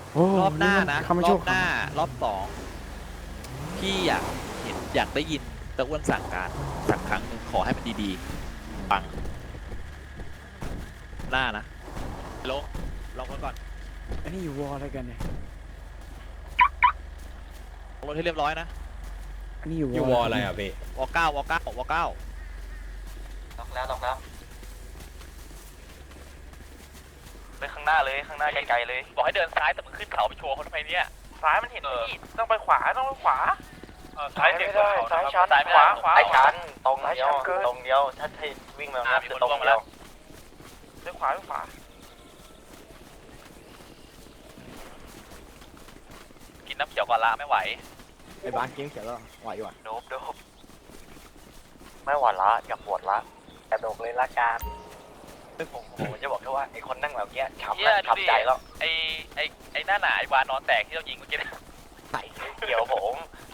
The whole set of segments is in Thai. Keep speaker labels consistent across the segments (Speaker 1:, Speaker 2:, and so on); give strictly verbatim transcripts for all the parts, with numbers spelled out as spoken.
Speaker 1: รอบหน้านะรอบหน้า
Speaker 2: ร
Speaker 1: รอบสองพี่อยากเห็นอยากได้ยินตะอ้วนสั่งการสักครั้งหนึ่งขอให้มันดีๆปังหน้านะลงลงมาก่อน
Speaker 2: อันนี้อยู่วอลอะไรกันเนี่ย
Speaker 1: ลงรถให้เรียบร้อยนะ
Speaker 2: อันนี้อยู่
Speaker 3: อยู่วอลอะไรอ่ะพี่
Speaker 1: วอเก้าวอเก้าวอเก้า
Speaker 4: ล็อกแล้วล็อกแล้วไปข้างหน้าเลยข้างหน้าไกลๆเลย
Speaker 1: บอกให้เดินซ้ายแต่มึงขึ้นเขาไปโชว์คนทำไมเนี่ย
Speaker 4: ซ้ายมันเห็นที่ต้องไปขวาต้องไปขวา
Speaker 1: ซ้ายไม่ได้ซ้ายชัน
Speaker 4: ขวาขวาไอ้ชันตรงเดียวตรงเดียวถ้าให้วิ่งมาคือตรงเดียวไปขวาไปขวา
Speaker 1: กินน้ำเขียวก่อนละไม่ไหว
Speaker 2: ไอ้บ้านเกมเขียวแล้วไหวอยู่อ่ะ
Speaker 4: โดบโดบไม่หวานละอย่าปวดละกระโดดเลยละกันผมผมจะบอกแค่ว่าไอ้คนนั่งแบบเนี้ยช้ำช้ำใจแล้ว
Speaker 1: ไอไอไอหน้าหนาไอวานอนแตกที่เรายิงเมื่อกี้นะ
Speaker 4: ใส่เกี่ยวผม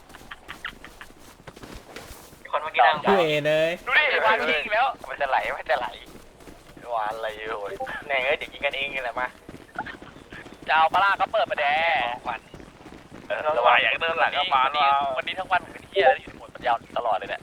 Speaker 4: คนเมื่อกี้นั่ง
Speaker 3: พี่เอเลย
Speaker 1: ดูดิไอวานยิงแล้ว
Speaker 4: มันจะไหลมันจะไหลหวานอะไรโอ้ยแน่เอ้ยเดี๋ยวกินกันเองนี่แหละมา
Speaker 1: จะเอาปลาก็เปิดมาแดงวัน
Speaker 4: ระวังอย่างเดินหลังก็มา
Speaker 1: วันนี้วันนี้ทั้งวันผมเป็นเที่ยแล้วอยู่ในหมดปัญญาตลอดเลยเนี่ย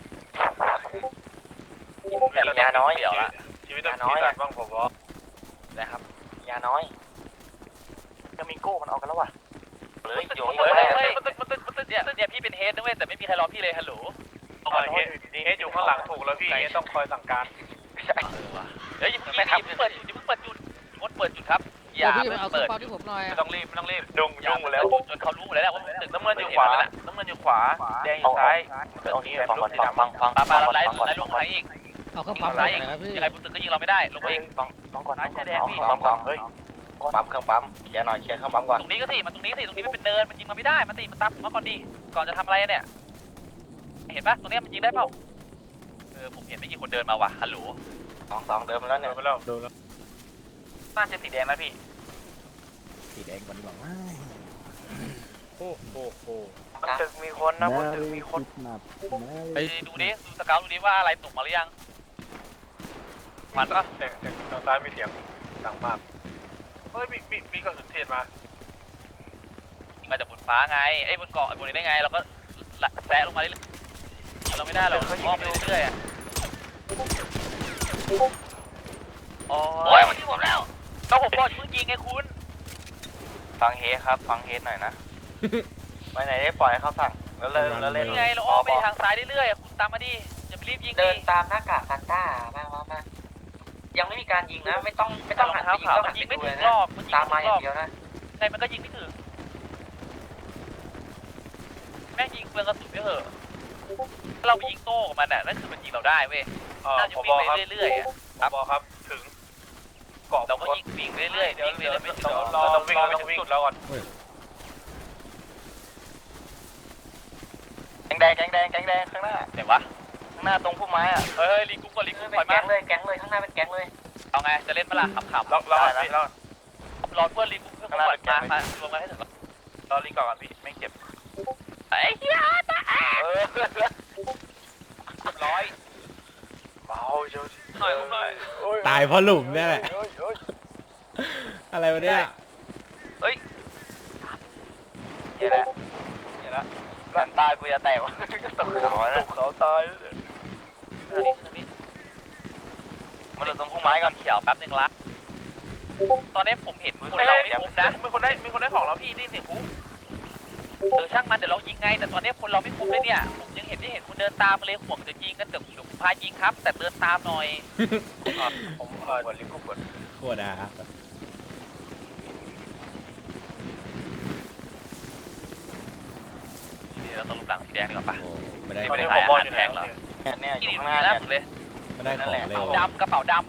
Speaker 1: แต่ยาน้อยเดี๋ยวละ
Speaker 4: ชีวิตน้อยบ้างผมบอก
Speaker 1: นะครับ
Speaker 4: ยาน้อยจะมีโก้มันออกกันแล้ววะเลยอยู่
Speaker 1: เฮ้
Speaker 4: เฮ้
Speaker 1: ย
Speaker 4: ย
Speaker 1: เฮ้ยมันตึ๊ดมันตึ๊ดมันตึ๊ดเนี่ยเนี่ยพี่เป็นเฮดนะเว้ยแต่ไม่มีใครรอพี่เลยฮัลโหล
Speaker 4: เฮดเฮดอยู่ข้างหลังถูกแล้วพี่เฮดต้องคอยสั่งการ
Speaker 1: เฮ้ยอย่าเพิ่งยิงอย่าเพิ่งเปิดจุดอย่าเพิ่งเปิดจุดงดเปิดจุดครับอย่า
Speaker 5: พี่
Speaker 1: เพิ่ง
Speaker 5: เอาเครื่อ
Speaker 1: เปิ
Speaker 5: ง
Speaker 1: ด
Speaker 5: เป่าที่ผมหน่อย
Speaker 4: ไม่ต้องรีบไม่ต้องรีบดุงดุงหมดแล้ว
Speaker 1: จนเขารู้หมดแล้วว่าตึก
Speaker 4: น้ำเงินอยู่ขวาน้ำเงินอยู่ขวาแดงอยู่ซ้ายเอานี้ฟังก่อนฟังฟังฟัง
Speaker 1: ปาปาเราไล่
Speaker 4: ฟังก่อน
Speaker 1: ไล่ลงไปอีก
Speaker 5: เอาเครื่องปั๊ม
Speaker 1: ไล่
Speaker 5: หน่
Speaker 1: อี
Speaker 5: อก ยนะพี่
Speaker 1: ยังไงบนตึกก็ยิงเราไม่ได้ลงไปอีก
Speaker 4: ฟังฟังก่อนฟังก่อนฟังก่อนเฮ้ยปั๊มเครื่องปั๊มเคลียร์หน่อยเคลียร์เครื่องปั๊มก่อน
Speaker 1: ตรงนี้ก็สิมันตรงนี้สิตรงนี้มันเป็นเนินมันยิงมาไม่ได้มันตีมันตามผมมาก่อนดิก่อนจะทำอะไรเนี่ยเห็นปะตรงนี้มันยิงได้เปล่าเออผมเห็นไม่กี่คนเดินมาว่ะฮัลโหล
Speaker 4: สองสองเดิมแล้วเนี่ย
Speaker 2: โดนแล้ว
Speaker 1: น่าจะสีแดงนะพี่
Speaker 2: สีแดงก่อนดีกว่าว่า
Speaker 3: โอ้โหโอ้
Speaker 4: บนตึกมีคนนะบนตึกมีคน
Speaker 1: ไปดูดิดูสเกลดูดิว่าอะไรตกมาหรือยังมันปะ
Speaker 4: เสียงเสียงทางซ้ายมีเสียงดังมากเฮ้ยมีมีมีกระสุนเทศมา
Speaker 1: ยิงมาจากบนฟ้าไงไอ้บนเกาะบนนี้ได้ไงเราก็แซะลงมาเรื่อยๆเราไม่ได้เราอ้อมไปเรื่อยๆอ่ะโอ้ยมันยิงผมแล้วต้องผมบอกเพิ่งยิงไงคุณ
Speaker 4: ฟังเฮครับฟังเฮหน่อยนะไปไหนได้ปล่อยเขาสั่งแล้วเล่นแล้วเล่น
Speaker 1: ยังไงเราอ้อมไปทางซ้ายเรื่อยๆคุณตามมาดิอย่าไปรีบยิง
Speaker 4: เดินตามหน้ากากซานต้ามามามายังไม่มีการยิงนะไม่ต้องไม่ต้องหันไปยิงต้องหัน
Speaker 1: ยิง
Speaker 4: ไป
Speaker 1: ไม่
Speaker 4: ดู
Speaker 1: ถึ
Speaker 4: เลย
Speaker 1: ง
Speaker 4: นะ
Speaker 1: รอบมันยิง
Speaker 4: ตามมา
Speaker 1: ไม่
Speaker 4: อ
Speaker 1: ถึงร
Speaker 4: ย่า
Speaker 1: อง บ
Speaker 4: เดียวนะ
Speaker 1: ไงมันก็ยิงไม่ถึงแม่งยิงเปลืองกระสุนไม่เหอะถ้าเราไปยิงโต้กับมันอ่ะนั่นคือมันยิงเราได้เว้ยน่าจะวิ่งไปเรื่อยๆอ่ะ
Speaker 4: ครับบอครับถึงเกาะ
Speaker 1: เราก็ยิงวิ่งไปเรื่อยๆวิ่งไปเรื่อยๆไม่ถึง
Speaker 4: เราต้องวิ่งเราต้องวิ่งแล้วก่อนแดงแดงแดงแดงแดงข้างหน้า
Speaker 1: ไหนวะ
Speaker 4: ข้างหน้าตรงพุ่มไม้อ่ะ
Speaker 1: เฮ้ยลิงกุ๊กก่อนลิงกุ๊ก
Speaker 4: เป็น
Speaker 1: ถอย
Speaker 4: แก๊
Speaker 1: มาง
Speaker 4: เลยแก๊งเลยข้างหน้าเป็นแก๊งเลย
Speaker 1: เอาไงจะเล่นเมื่อไหร่ขำๆ
Speaker 4: รอรอนะรอ
Speaker 1: รอเพื่อนลิงกุ๊กเพื่อนก่อนมามารวมกันให้ถึง
Speaker 4: รอลิงก่อนพี่ไม่เก็บ
Speaker 1: ไอ้เหี้ยตา
Speaker 4: เออเรียบร้อยเบาเจ้าหน่อยหน่อย
Speaker 3: ตายเพราะหลุมเนี่ยแหละ อะไรวะเนี่ย
Speaker 4: เดี๋ยวแล้วเดี๋ยวแล้วหลังตายกูจะแตกวะตกเขาตกเขาตายมันอยู่ตรงพุ่มไม้ก่อน
Speaker 1: เขียวแป๊บนึงละตอนนี้ผมเห็นคนเราไม่ครบนะ
Speaker 4: มีคนได้มีคนได้ของแล้วพี่ได้เสียงปุ๊บ
Speaker 1: เออช่างมันเดี๋ยวเรายิงไงแต่ตอนนี้คนเราไม่ครบเลยเนี่ยผมยังเห็นไม่เห็นคุณเดินตามมาเลยห่วงจะยิงกันเดี๋ยวเดี๋ยวพายิงครับ แต่เดินตามหน่อย
Speaker 4: ผมเออลิงกุ๊กกด
Speaker 3: โคตรอ่ะ
Speaker 1: เดี๋ยวเราต้องลุกหลังสีแดงดีกว่าปะ
Speaker 3: โอ้ไม่ได้
Speaker 1: ไม่
Speaker 3: ไม่
Speaker 1: ได้
Speaker 3: ได้
Speaker 1: ขายอาหารแพงเหรอ
Speaker 4: เนี่ยอยู่
Speaker 1: ที่
Speaker 4: ข้างห
Speaker 1: นี่
Speaker 4: น้า
Speaker 1: นะ
Speaker 4: เนี่ย
Speaker 1: เลย
Speaker 3: ไม่ได้ของเลย
Speaker 1: กระเป๋าดำกระเป๋าด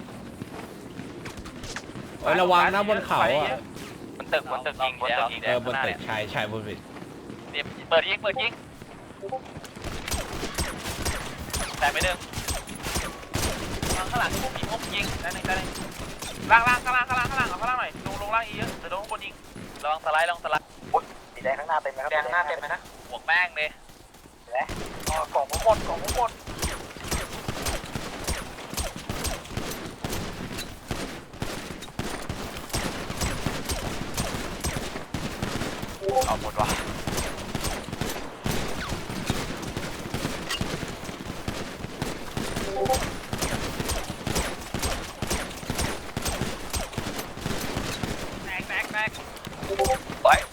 Speaker 3: เอ้ยระวังนะบนเขาอ่ะ
Speaker 4: บนตึกบนตึกยิงบนตึกยิง
Speaker 3: เออบนตึกชายชายบนตึก
Speaker 1: ำเนี่ยเปิดยิงเปิดยิงแต่ไม่เดิมข้างหลังมีพวกยิงได้ไหมได้ไหม
Speaker 4: ล่างล่างข้างล่างข้างล่างข้างล่างเอาข้างล่างหน่อยลงลงล่างอีกเยอะแต่โดนคนยิง
Speaker 1: ระวังสไลด์ระวังสไลด์
Speaker 4: สีแดงข้างหน้าเต็มไหมครับแดงข้างหน้าเต็มไหมนะ
Speaker 1: ห่วงแม่งเลย
Speaker 4: กล่องผมหมดกล่องผมหมดเอาหมดวะ
Speaker 1: แตกแตกแตก
Speaker 4: ไว้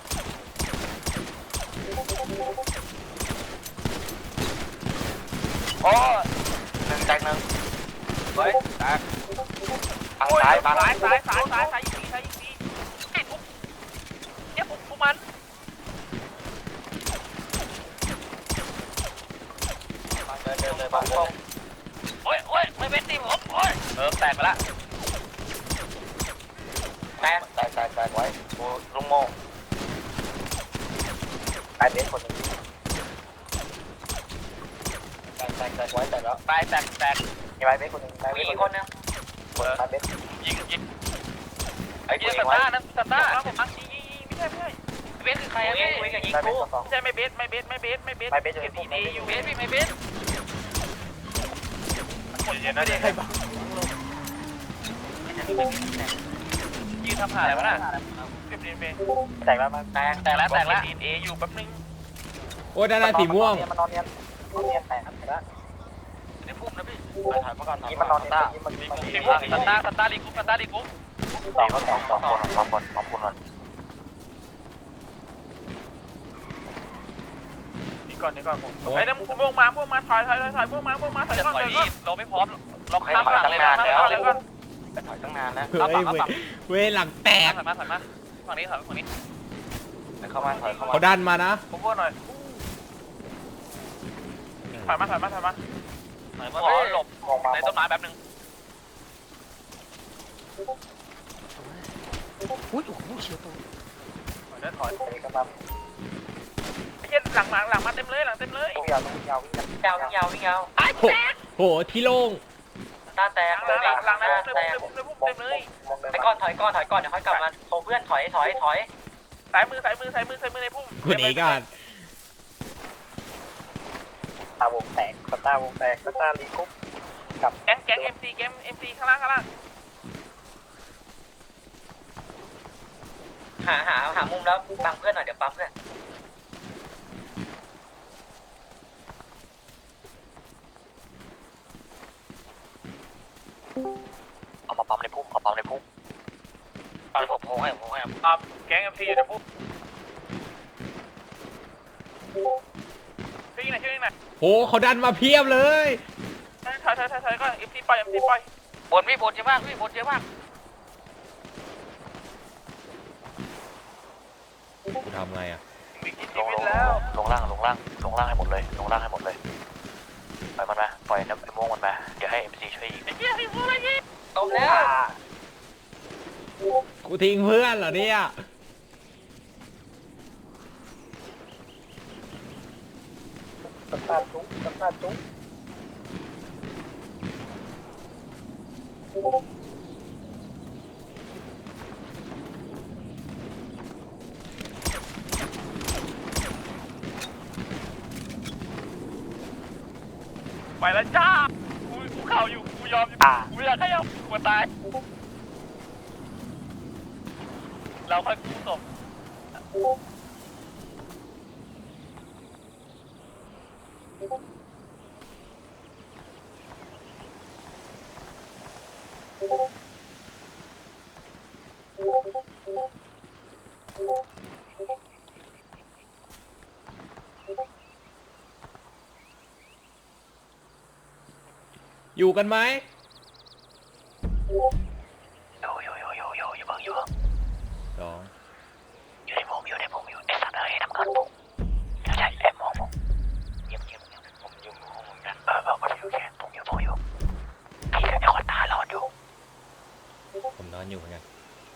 Speaker 4: โอ้หนึ่งแตกหนึ่งไว้แตกทางซ้ายทาง
Speaker 1: ซ้ายซ้ายซ้ายซ้ายซ้ายยิงดีซ้ายยิงดีไอ้ทุกเนี่ยพวกพวกมัน
Speaker 4: เดินเดินเลยบางตรง
Speaker 1: โอ้ยโอ้ยไม่เป็นตีผมโอ้ยเออแตกไปละ
Speaker 4: แตกแตกแตกแตกไว้กูลุงโม่ตายเบสคนหนึ่งแตกแตกแตกไว้แตกแล้ว
Speaker 1: ตายแตกแตก
Speaker 4: มีไม้เบสคนหนึ่งมีอีกคนนึงคนไม้เบส
Speaker 1: ยิงยิง
Speaker 4: ไอ้
Speaker 1: ยิ
Speaker 4: กู
Speaker 1: ง
Speaker 4: ยิ
Speaker 1: ส
Speaker 4: งไว้
Speaker 1: ตาร์นั่นสตาร์แล้วผมอังยิงยิงยิงไม่ใช่ไม่ใช่เบสคือใครอะพี่
Speaker 4: ไม้เบสสองสอง
Speaker 1: ไม่ใช่ไม่เบสไม่เบสไม่เบสไม่เบส
Speaker 4: ไม่เบสอยู่
Speaker 1: เก็บดีดีอยู่เบสพี่ไม่เบส
Speaker 2: เย็นนะเด็กใครบ้าง
Speaker 1: ยืนทำหาอะไรวะน่ะเก็บดีเบส
Speaker 4: แตกแล้วมันแตก
Speaker 1: แตกแล้วแตกแล้วดีเออยู่แป๊บนึง
Speaker 3: โอ้ด้านหน้าสีม่วง
Speaker 4: มันนอนเนียนนอนเนียนแตกแล้ว
Speaker 1: ในพุ่มนะพี่
Speaker 4: ถ่ายมาก่อนนี่มันนอนเนียนนี่มัน
Speaker 1: ในพุ่มสตาร์สตาร์ลีกุ๊ปสตาร์ลีกุ๊ป
Speaker 4: สองสองสองคนสองคนสองคนก่อน
Speaker 1: นี่ก่อนนี่ก่อนผมไอ้นั่นพวกมาพวกมาถอยถอยถอยพวกมาพวกมาถอยก่อนถอยก่อนเราไม่พร้อมเราข้ามหลังเลยนะข้ามหลังเลยก่อน
Speaker 4: ไปถอยตั้งนานแล้ว
Speaker 3: เฮ้ยเว้ยเว้ยหลังแตก
Speaker 1: ถอยมาถอยมาฝั่งนี้ถอยฝั่งนี้
Speaker 4: เข้ามาถอยเข้ามา
Speaker 3: เขาดันมานะ
Speaker 1: ผมพูดหน่อยถอยมาถอยมาถอยมาถอยมาหลบ
Speaker 4: มองมา
Speaker 1: ในต้นไม้แป๊บนึง
Speaker 2: อุ้ยโอ้โหเฉียวตัว
Speaker 1: ถอยได้ถอย
Speaker 4: ไปกันมา
Speaker 1: ไอ้เหี้ยหลังหลังหลังมาเต็มเลยหลังเต็มเลย
Speaker 4: วิ่งยาววิ่งยาววิ่งยาววิ่งยาววิ่งยาว
Speaker 1: ไอ้แตก
Speaker 3: โหที่โล่ง
Speaker 4: ตาแตก
Speaker 1: หลังหลังหลังในพุ่มในพุ่มในพุ่มเต็มเลย
Speaker 4: ไอ้ก้อนถอยก้อนถอยก้อนเดี๋ยวค่อยกลับมาโทรเพื่อนถอยถอยถอย
Speaker 1: สายมือสายมือสายมือสายมือในพุ่ม
Speaker 3: คนนี้กัน
Speaker 4: ตาวงแตกสตาร์วงแตกสตาร์ลีกุ๊บกับ
Speaker 1: แก๊งแก๊งเอ็มซีแก๊งเอ็มซีข้างล่างข้างล่าง
Speaker 4: หาหาหามุมแล้วบังเพื่อนหน่อยเดี๋ยวปั๊มเพื่อนเอามาปั๊มในพุ่มเอาปั๊มในพุ่มปั๊มผมโผล่ให้ผมโผล่ให้
Speaker 1: อ่าแก๊งเอ็มซีอยู่ในพุ่มช่วยยิงหน่อยช่วยยิงหน่อย
Speaker 3: โหเขาดันมาเพียบเลย
Speaker 1: ถอยถอยถอยถอยก่อนเอ็มซีปล่อยเอ็มซีปล่อยบนพี่บนเยอะมากพี่บนเยอะมาก
Speaker 3: กูทำไงอ่ะ
Speaker 1: มีกี่
Speaker 4: ล
Speaker 1: ชี
Speaker 4: ง
Speaker 1: วิ
Speaker 4: ล
Speaker 1: ต
Speaker 4: ง
Speaker 1: แล้ว
Speaker 4: ลงล่างลงล่างลงล่างให้หมดเลยลงล่างให้หมดเลยปล่อยมันมาปล่อยน้ำไอ้ม่วงมันมาเดี๋ยวให้เอ็มซีช่วยยิง
Speaker 1: ไอ้เหี้ยไอ้พวกอะไรนี่
Speaker 4: ตบแล้ว
Speaker 3: กูทิ้งเพื่อนเหรอเนี่ย
Speaker 4: สตาร์ทุกสตาร์ทุก
Speaker 1: ไปแล้วจ้ากูกูเข่าอยู่กูยอมอยู่กูอยากให้เอากูตายเราค่อยกู้ศพ
Speaker 3: อยู่กันไหม
Speaker 4: โยโยโยโยโยอยู่บ้างอยู่บ้าง
Speaker 3: สอง
Speaker 4: อยู่ในผมอยู่ในผมอยู่ไอ้สัตว์เอ้ยทำงานผมใช่แอบมองผมเงียบเงียบเงียบผมอยู่ห้องมึงกันเออเออโอเคโอเคผมอยู่ผมอยู่พี่กับไอ้คนตาหลอดอยู่
Speaker 3: ผมนอนอยู่เหมือนกัน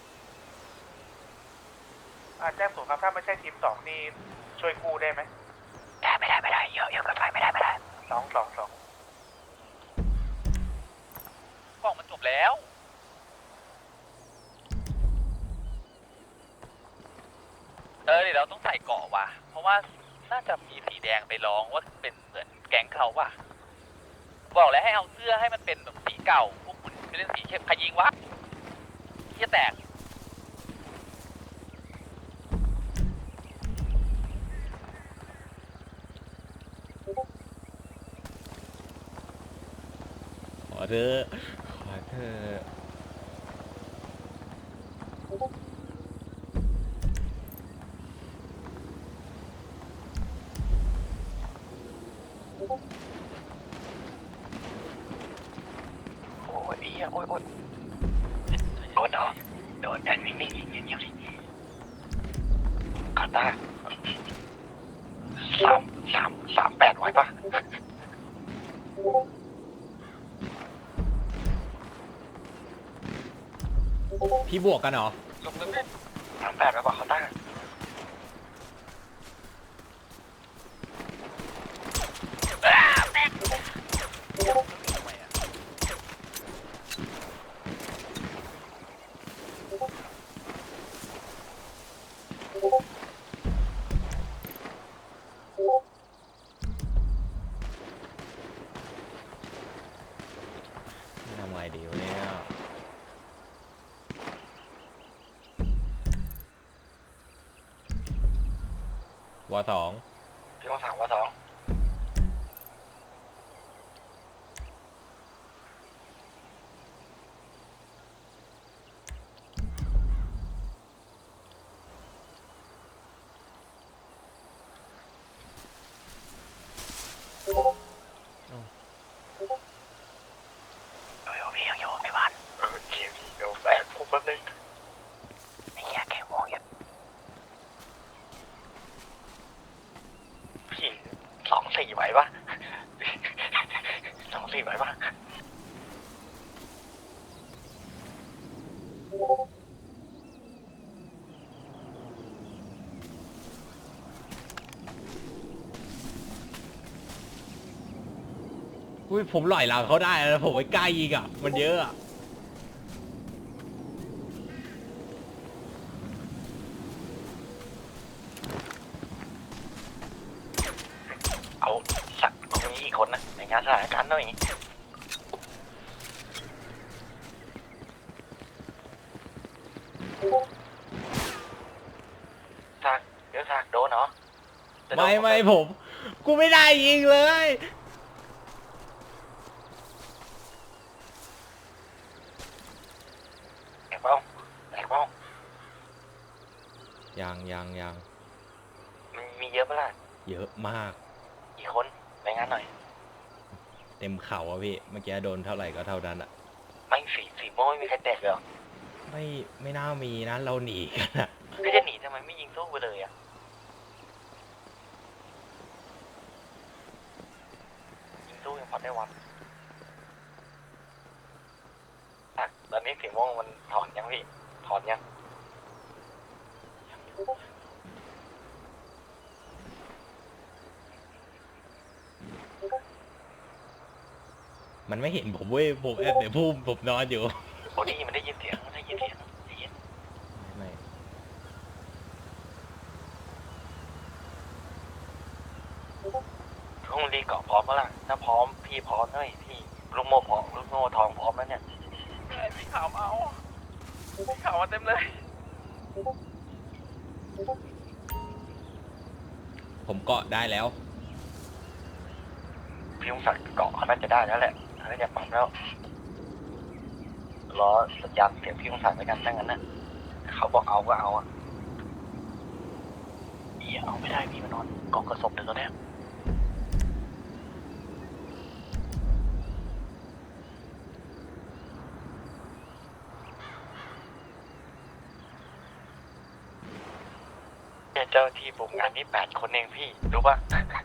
Speaker 1: แจ้งศูนย์ครับถ้าไม่ใช่ทีมสองนี่ช่วยกู้ได้ไหม
Speaker 4: ได้ไม่ได้ไม่ได้เยอะเยอะเกินไปไม่ได้ไม่ได้
Speaker 1: สองสองสองกล่องมันจบแล้วเออเดี๋ยวเราต้องใส่เกาะว่ะเพราะว่าน่าจะมีสีแดงไปร้องว่าเป็นเหมือนแก๊งเขาว่ะบอกแล้วให้เอาเสื้อให้มันเป็นแบบสีเก่าพวกคุณไปเล่นสีเข้มใครยิงวะเหี้ยแตก
Speaker 3: เธอะขอเธอะ
Speaker 4: โอ้ยเอี้ยโอ้ยโอ้ยโดนเหรอโดนแอนนิ่งๆเงียบๆดิคาตาสามสามสามแปดไว้ปะ
Speaker 3: พี่บวกกันเหรอ
Speaker 4: ลงเล่นสามแปดไว้ปะคาตา
Speaker 3: ทำไงดีวะเนี่ยวอสอง
Speaker 4: พี่ต้องสั่งว่าสองเดี๋ยวพี่ยังอยู่ไอ้บ้านเออเดี๋ยวเดี๋ยวแฝงผมแป๊บนึงไอ้เหี้ยแกมองอย่างพี่สองสี่ไหวปะสองสี่ไหวปะ
Speaker 3: อุ้ยผมหล่อยหลังเขาได้แล้วผมไปใกล้อีกอ่ะ มันเยอะอ่ะ
Speaker 4: เอาสักตรงนี้อีกคนนะในงานสถานการณ์หน่อยสักเดี๋ยวสักโดนเหรอ
Speaker 3: ไม่ไม่ผม กูไม่ได้ยิงเลย
Speaker 4: แอบเป้าแอบเป้า
Speaker 3: ยังยังยัง
Speaker 4: มันมีเยอะปะล่ะ
Speaker 3: เยอะมาก
Speaker 4: อีกคนในงานหน่อย
Speaker 3: เต็มเข่าอะพี่ เมื่อกี้โดนเท่าไหร่ก็เท่านั้นอะ
Speaker 4: ไม่สีสีม่วงไม่มีใครแตกเลยเหรอ
Speaker 3: ไม่ไม่น่ามีนะ เราหนีกันอะ
Speaker 4: พี่จะหนีทำไมไม่ยิงสู้ไปเลยอ่ะยิงสู้ยังพอได้วันอ่ะตอนนี้สีม่วงมันถอนยังพี่ถอนยัง
Speaker 3: มันไม่เห็นผมเว้ย ผมแอบในพุ่มผมนอนอยู่
Speaker 4: โอ้นี่มันได้ยินเสียงมันได้ยินเสียงได้ยิน
Speaker 3: ไม่
Speaker 4: ห้องรีเกาะพร้อมแล้วล่ะถ้าพร้อมพี่พร้อมด้วยพี่ลูกโม่พร้อมลูกโม่ทองพร้อมแล้วเนี่ย
Speaker 1: สีขาวมาเอาสีขาวมาเต็มเลย
Speaker 3: ผมเกาะได้แล้ว
Speaker 4: พี่ยงศักดิ์เกาะเขาน่าจะได้แล้วแหละน่าจะปั๊มแล้วรอสัญญาณเสียงพี่ยงศักดิ์ไปกันถ้างั้นนะเขาบอกเอาก็เอาอ่ะเอียเอาไม่ได้พี่มานอนกองกระสบเดี๋ยวตอนนี้เจ้าที่ผมงานนี้แปดคนเองพี่รู้ป่ะ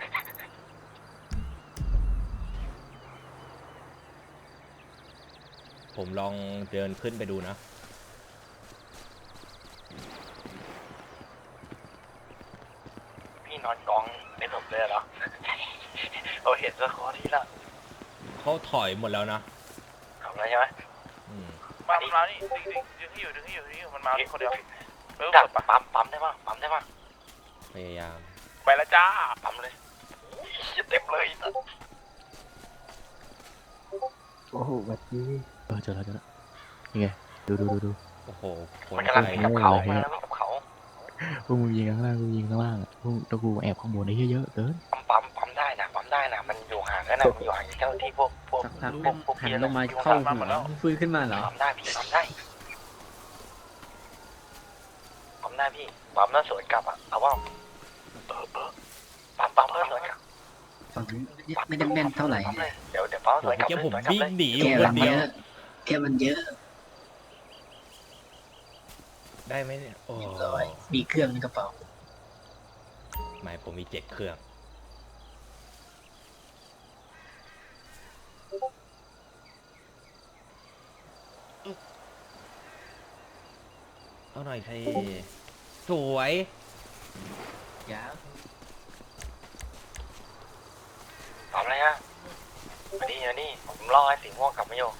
Speaker 3: ผมลองเดินขึ้นไปดูนะ
Speaker 4: พี่นอนกองในศพเลยเหรอ เราเห็นสกอร์ที่ละ
Speaker 3: เขาถอยหมดแล้วนะ
Speaker 4: ทำอะไรใช่ไหม
Speaker 3: อืม
Speaker 1: มามันมานี่ดึงดึงดึงให้อยู่ดึงให้อยู่ดึงให้อยู่มันมาคนเดียวเออ
Speaker 4: ดัก
Speaker 1: เปิดปะ
Speaker 4: ปั๊มปั๊มได้ป่ะปั๊มได้ป่ะ
Speaker 3: พยายาม
Speaker 1: ไปแล้วจ้า
Speaker 4: ปั๊มเลยเต็มเลย
Speaker 2: โอ้โหแบบนี้เออเจอแล้วเจอแล้วนี่ไงดูดูดูดู
Speaker 3: โอ้โหคน
Speaker 4: มันกำลัง
Speaker 3: ไทย
Speaker 4: วิ่งกับเขามาแล้ววิ่งกับเขา
Speaker 2: พวกมึงยิงข้างล่างกูยิงข้างล่างอ่ะพวกตะกูแอบข้างบนได้เยอะๆเกิน
Speaker 4: ปั๊มปั๊มปั๊มได้นะปั๊มได้นะมันอยู่ห่างกันนะมันอยู่ห่างจากเจ้าที่พวกพวก
Speaker 5: สักพัก
Speaker 4: พวกพวก
Speaker 5: หัน
Speaker 4: เพี้ยน
Speaker 5: ลงมาเข้าหัวฟื้นขึ้นมาเหรอ
Speaker 4: ปั๊มได้พี่ปั๊มได้ปั๊มได้พี่ปั๊มแล้วสวนกลับอ่ะเอาว่าเออเออปั๊มปั๊มเพื่อสวนกลับ
Speaker 5: ฝั่งนี้ไม่ได้แม่นเท่าไหร่
Speaker 4: ปั๊มเลยเดี๋ยวเดี๋ยวปั๊มสวนกลับ
Speaker 3: เมื่อกี้ผม
Speaker 4: สวนกลับ
Speaker 3: วิ่ง
Speaker 4: เลย
Speaker 3: หนีอ
Speaker 5: แก
Speaker 3: ยู่ค
Speaker 5: มัน น
Speaker 3: เดี
Speaker 5: เย
Speaker 3: ยว
Speaker 5: อะแกมันเยอะ
Speaker 3: ได้ไหมเนี่ยโอ้
Speaker 5: ร้อยมีเครื่องในกระเป๋า
Speaker 3: ไม่ผมมีเจ็ดเครื่องเอาหน่อยสิสวย
Speaker 5: ยาว
Speaker 4: ปั๊มเลยฮะมานี่มานี่ผมรอให้สีม่วงกลับมาโย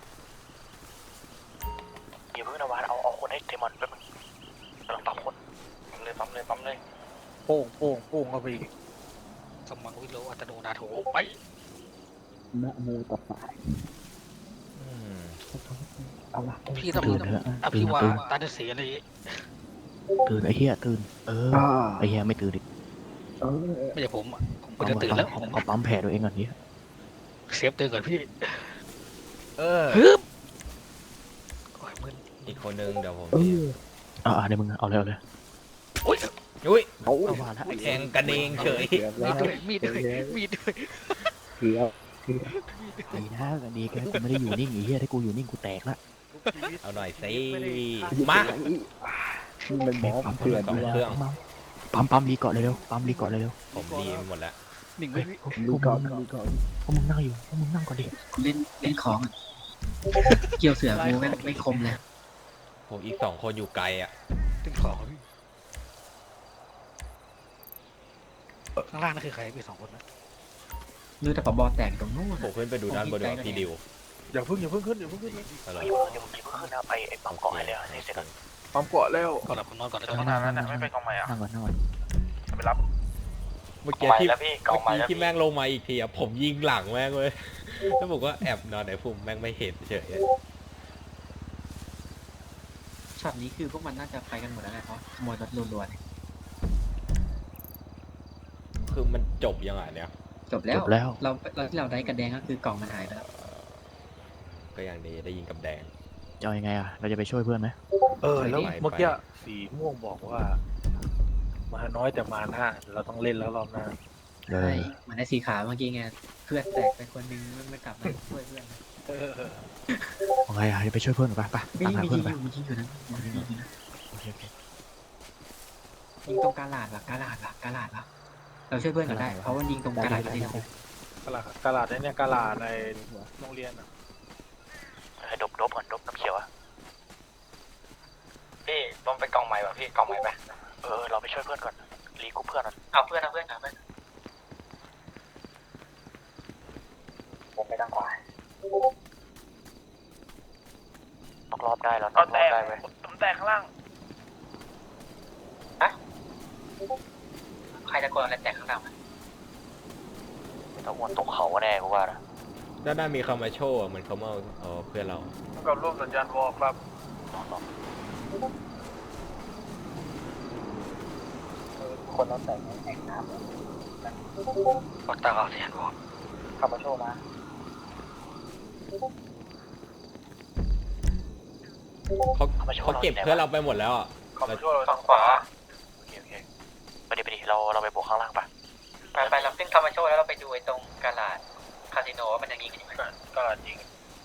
Speaker 4: อย่าเพิ่งนะวานเอาเอาคนให้เทมอนแป๊บนึงกำลังปั๊มคนปั๊มเลยปั๊มเลยปั๊มเลย
Speaker 6: โป่งโป่งโป่งเข้าไปอีกสมังวิโรอัตโนนาโถไป
Speaker 2: นะโมตัสสะ
Speaker 3: อืม
Speaker 2: เอาละ
Speaker 6: พี่ต้อง
Speaker 2: ตื่นเถอะ
Speaker 6: อภิวาตาเดสีอะไร
Speaker 2: ตื่นไอ้เหี้ยตื่นเออไอ้เหี้ยไม่ตื่นดิเออ
Speaker 6: ไม่ใช่ผมผมควรจะตื่นแล้ว
Speaker 2: เอาเอาปั๊มแผลตัวเองก่อนนี้
Speaker 6: เซฟตื่นก่อนพี่
Speaker 3: เออ
Speaker 6: ฮึบโอ้ยมึน
Speaker 3: อีกคนนึงเดี๋ยวผม
Speaker 2: เอออ่าเดี๋ยวมึงเอาเลยเอาเลย
Speaker 6: โอ้ย
Speaker 3: อุ้ย
Speaker 2: เอาว่าละ
Speaker 3: แทงกันเองเฉย
Speaker 6: มีดด้วยมีดด้วยมีดด้วย
Speaker 2: เกือบเกือบไอ้นะกันดีแกกูไม่ได้อยู่นิ่งไอ้เหี้ยถ้ากูอยู่นิ่งกูแตกละ
Speaker 3: เอาหน่อยสิมา
Speaker 2: มันบอกปั๊มเถื่อนดีว่าปั๊มปั๊มรีเกาะเร็วๆปั๊มรีเกาะเร็ว
Speaker 3: ผมดีไปหมดแล้ว
Speaker 6: หนึ่งไม่พี่
Speaker 2: ๆรีเกาะรีเกาะพวกมึงนั่งอยู่พวกมึงนั่งก่อนดิ
Speaker 5: กูเล่นเล่นของอะเกี่ยวเสือกูไม่ไม่คมเลย
Speaker 3: ผมอีกสองคนอยู่ไกลอ่ะ
Speaker 6: ถึงของพี่ข้างล่างนั่นคือใครพี่สองคนนะ
Speaker 5: รู้แต่ปอบอแตกตรงนู้น
Speaker 3: ผมขึ้นไปดูด้านบนดีกว่าพี่ดิว
Speaker 6: อย่าเพิ่งอย่าเพิ่งขึ้นอย่าเพิ่งขึ้น
Speaker 3: อะไร
Speaker 4: เดี๋ยวเดี๋ยวผมหยิบขึ้นนะไปไอ้ปั๊มเกาะให้เลยให้เสร็จก่อน
Speaker 6: ปั๊มเกาะแล้วก่อนหลับผมนอนก่อนแล้ว
Speaker 2: นั่
Speaker 6: จะ
Speaker 2: ง
Speaker 6: มา
Speaker 2: นั่งนั่งไม่ไปกองใหม่อ่ะนั่งก่อนนั่งก่อน
Speaker 4: ไปรับ
Speaker 3: เมื่อกี้
Speaker 4: ใหม่
Speaker 3: ที่
Speaker 4: แล้วพี่เกาะ
Speaker 3: เมื่อ
Speaker 4: ใหม่
Speaker 3: กี้
Speaker 4: แล้ว
Speaker 3: ที่
Speaker 4: พี่
Speaker 3: แม่งลงมาอีกทีอ่ะผมยิงหลังแม่งเลยแล้วผมก็แอบนอนในพุ่มแม่งไม่เห็นเฉย
Speaker 5: ช็อตนี้คือพวกมันน่าจะไปกันหมดแล้วไงเพราะขโมยรถรัวๆเนี่ย
Speaker 3: คือมันจบยังไงเนี่ย
Speaker 5: จบแล้
Speaker 2: จ
Speaker 5: ว
Speaker 2: บแล้ว
Speaker 5: เราเราที่เราได้กระแดงก็คือกล่องมันหายไปแล้ว
Speaker 3: ก็อย่างดีได้ยิงกับแดง
Speaker 2: จะเอายังไงอ่ะเราจะไปช่วยเพื่อนไหม
Speaker 6: เออแล้ว
Speaker 3: ไป
Speaker 6: เมื่อกี้สีม่วงบอกว่า มาน้อยแต่มาหน้าเราต้องเล่นแล้วรอบหน้า
Speaker 2: เดี๋ยว
Speaker 5: ใช่เหมือนในสีขาวเมื่อกี้ไงเพื่อนแตกไปคนนึงมันไม่กลับมาช่วยเพื่อนนะ
Speaker 6: เออ
Speaker 2: เอาไงอ่ะจะไปช่วยเพื่อนหรือเปล่าไป
Speaker 5: ไม่
Speaker 2: ตามหา
Speaker 5: มี
Speaker 2: เพื่
Speaker 5: ยิ
Speaker 2: อน
Speaker 5: ง
Speaker 2: ไป
Speaker 5: อยู่มียิงอยู่นะมียิงอยู่นะ
Speaker 2: โอเคโอเค
Speaker 5: ยิงตรงกาลาดว่ะกาลาดว่ะกาลาดว่ะเราช่วยเพื่อนกันได้เพราะว่ายิงตรงกาลาดจริง
Speaker 6: กระลาดกระลาดเนี่ยกระลาดในโรงเรียนอ่ะ
Speaker 4: ให้ดบดบก่อนดบน้ำเขียวอะพี่ต้องไปกองใหม่ป่ะพี่กองใหม่ไปเออเราไปช่วยเพื่อนก่อนรีกูเพื่อนก่อนเอาเพื่อนเอาเพื่อนเอาเพื่อนผมไปทางขวาตกรอบได้แล้วตกรอบได้ไหม
Speaker 1: ผมแตกข้างล่าง
Speaker 5: ใครจะกดอะไรแตกข้างหลัง
Speaker 4: ต้องวนตกเขาแน่กูว่านะ
Speaker 3: ด้านหน้ามีคามาโชว์เหมือนเขามาเอาเอาเพื่อนเรา
Speaker 6: กับร่วมสัญญาณวอลครับ
Speaker 4: คนเราแต่งแข่งน้ำปักตาเอาเสียงก่อนขับมาโชว์มา
Speaker 3: เขาเขาเก็บเพื่อนเราไปหมดแล้วอ่ะ
Speaker 6: ขอบช่วยเรา
Speaker 4: ทางขวาโอเคโอเคไปดิไปดิเราเราไปบวกข้างล่างปะ
Speaker 5: ไปไปเราขึ้นคามาโชว์แล้วเราไปดูไอ้ตรงกาลาดคาสิโนว่ามันยังยิงกันอยู่ไหม
Speaker 6: กระลาดยิง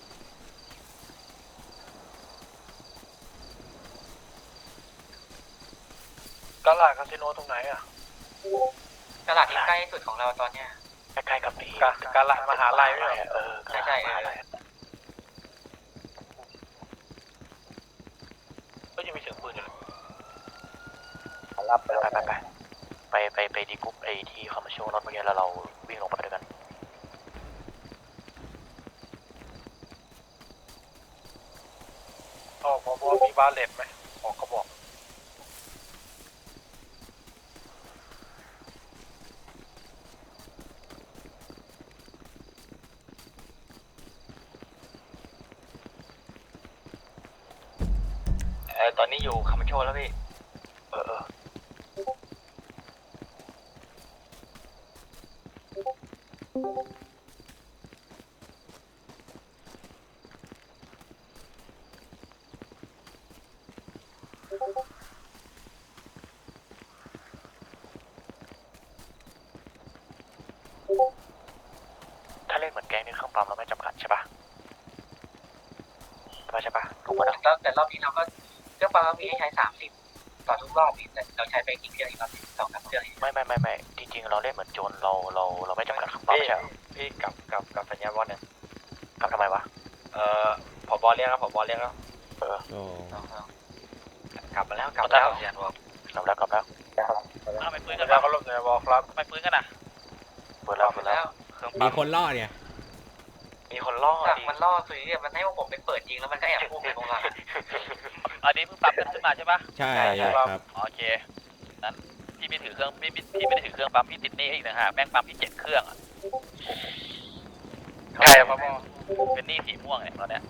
Speaker 6: กระลาดคาสิโนตรงไหนอ่ะ
Speaker 5: กาลาดที่ใกล้สุดของเราตอนเนี้ย
Speaker 4: ใกล้ๆกับนี่
Speaker 6: กระลาดมหาลัยไม่ใช่
Speaker 4: เออ
Speaker 5: ใช่ใช่เออ
Speaker 6: ก็ยังมีเสียงปืนอยู่เลย
Speaker 4: รับไปไปไปไปไปไปดีกรุ๊ปไอที่เขามาโชว์รถเมื่อกี้แล้วเราวิ่งลงไปด้วยกัน
Speaker 6: อ๋อพอพอมีบาเลตไหมออกกระบอก
Speaker 4: เออตอนนี้อยู่คามาโชว์แล้วพี่เออเอองนี่เครื่องปั๊มเราไม่จำกัดใช่ปะใช่ปะใช่ปะถูกปะ
Speaker 5: แล้วแต่รอบนี้เราก็เครื่องปั๊มมีให้ใช้สามสิบต่อทุกรอบนี่แต่เราใช้ไปกี่เครื่องอีกรอบสองสามเครื่อง
Speaker 4: ไม่ไม่ไม่ไม่จริงๆเราเล่นเหมือนโจรเราเราเราไม่จำกัดเครื่องปั๊มใช่ไหม
Speaker 7: พี่กลับกลับกลับสัญญาณบอลเนี่ย
Speaker 4: กลับทำไมวะ
Speaker 7: เอ่อผบเรียกครับผบเรียกแล้ว
Speaker 4: เออ
Speaker 3: โอ้
Speaker 7: กลับมาแล้วกลับแล้วสัญญาณบอล
Speaker 4: กลับแล้วกลับแล้ว
Speaker 1: ทำไมปืนกัน
Speaker 7: แล้ว
Speaker 1: วะ
Speaker 7: ก็ลบสัญญาณบอลครับ
Speaker 1: ทำไมปืนกันอ่ะ
Speaker 4: เปิดแล้วเปิดแล้ว
Speaker 1: เครื่อง
Speaker 3: มี
Speaker 1: ปั๊ม
Speaker 3: คนล่อเนี่ย
Speaker 7: มีคนล่อ
Speaker 5: จาก
Speaker 7: ดิ
Speaker 5: มันล่อคือเนี่ยมันให้พวกผมไปเปิดจริงแล้วมันก็แอบพุ่งไปตรงหลัง
Speaker 1: อันนี้เพิ่งปั๊มกันขึ้นมาใช่ปะ
Speaker 3: ใช่ครับ
Speaker 1: อ๋อโอเคนั้นพี่ไม่ถือเครื่องพี่พี่พี่ไม่ได้ถือเครื่องปั๊มพี่ติดหนี่อีกนะฮะแม่งปั๊มพี่เจ็ดเครื่องอ่ะ
Speaker 7: ใช่ครับพ่อ
Speaker 1: เป็นหนี้สีม่วงเนี่ยตอนเนี้ย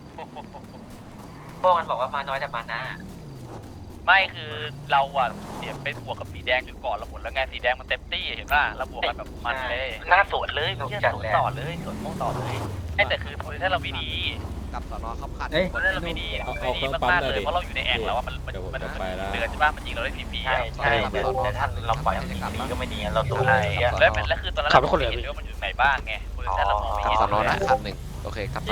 Speaker 5: พวกมันบอกว่ามาน้อยแต่มาหน้า
Speaker 1: ไม่คือเราอ่ะเสียไปบวกกับสีแดงจนก่อนเราหมดแล้วไงสีแดงมันเต็มตี้เห็นป่ะเราบวกกันแบบมันเลย
Speaker 4: หน้าสวนเลยไม่ใช่สวนต่อเลยสวนม่วงต่อเลย
Speaker 1: ไอ้แต่คือโพซิชั่นเราไม่ดี
Speaker 8: กับสอนอขับขัน
Speaker 5: เอ้ย
Speaker 1: โพซิชั่นเราไม่ดีไม่ดีมากๆเลยเพราะเราอยู่ในแอ่งแล้วอ่ะมันมัน
Speaker 3: เดี๋ยวผม
Speaker 1: มัน
Speaker 3: จะไปแล้ว
Speaker 1: เดือนใช่ป่ะมันยิงเราได้ฟรีๆ
Speaker 7: ใช่
Speaker 1: อ่ะ
Speaker 7: ใช่แต่แต่ท่านเราปล่อยให้มันดีก็ไม่ดีเราตัวอะไร
Speaker 1: แล้วแล้วคือตอนนั้นเราไม่เห็นเลยว่ามันอยู่ไหนบ้างไงโพซิชั่นเรามองไม่
Speaker 8: กับ
Speaker 1: เห็น
Speaker 8: สอนอ
Speaker 1: เลย
Speaker 8: นะคันหนึ่งโอเคครับ